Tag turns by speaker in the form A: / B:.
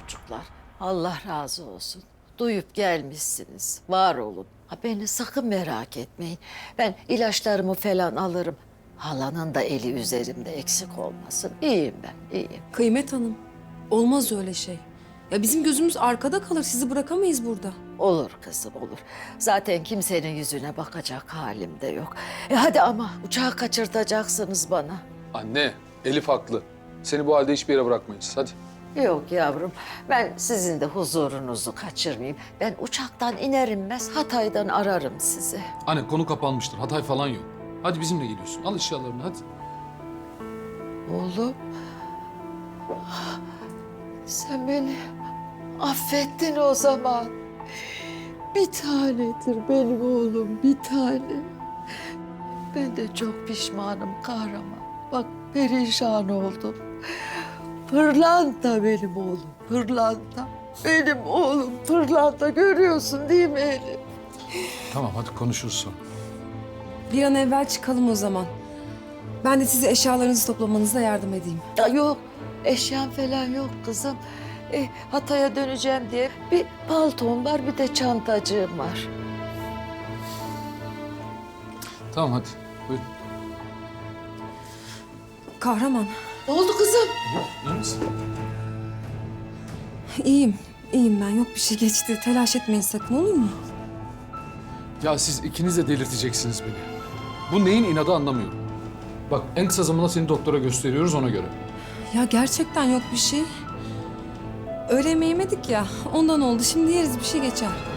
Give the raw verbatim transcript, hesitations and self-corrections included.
A: çocuklar. Allah razı olsun. Duyup gelmişsiniz. Var olun. Ha, beni sakın merak etmeyin. Ben ilaçlarımı falan alırım. Halanın da eli üzerimde eksik olmasın. İyiyim ben, iyiyim.
B: Kıymet Hanım, olmaz öyle şey. Ya bizim gözümüz arkada kalır, sizi bırakamayız burada.
A: Olur kızım, olur. Zaten kimsenin yüzüne bakacak halim de yok. E hadi ama uçağı kaçırtacaksınız bana.
C: Anne, Elif haklı. Seni bu halde hiçbir yere bırakmayız. Hadi.
A: Yok yavrum, ben sizin de huzurunuzu kaçırmayayım. Ben uçaktan iner inmez Hatay'dan ararım sizi.
C: Anne konu kapanmıştır. Hatay falan yok. Hadi bizimle geliyorsun. Al eşyalarını hadi.
A: Oğlum, sen beni affettin o zaman. Bir tanedir benim oğlum, bir tane. Ben de çok pişmanım kahraman. Bak perişan oldum. Pırlanta benim oğlum, pırlanta. Benim oğlum pırlanta, görüyorsun değil mi Elif?
C: Tamam hadi konuşuruz sonra.
B: Bir an evvel çıkalım o zaman. Ben de size eşyalarınızı toplamanıza yardım edeyim.
A: Ya yok, eşyam falan yok kızım. E, Hatay'a döneceğim diye bir paltom var, bir de çantacığım var.
C: Tamam hadi. Buyurun.
B: Kahraman,
A: Ne oldu kızım?
C: İyi misin?
B: iyiyim. İyiyim ben, yok bir şey geçti. Telaş etmeyin sakın, olur mu?
C: Ya siz ikiniz de delirteceksiniz beni. Bu neyin inadı anlamıyorum. Bak en kısa zamanda seni doktora gösteriyoruz ona göre.
B: Ya gerçekten yok bir şey. Öğle yemeği yemedik ya, ondan oldu. Şimdi yeriz, bir şey geçer.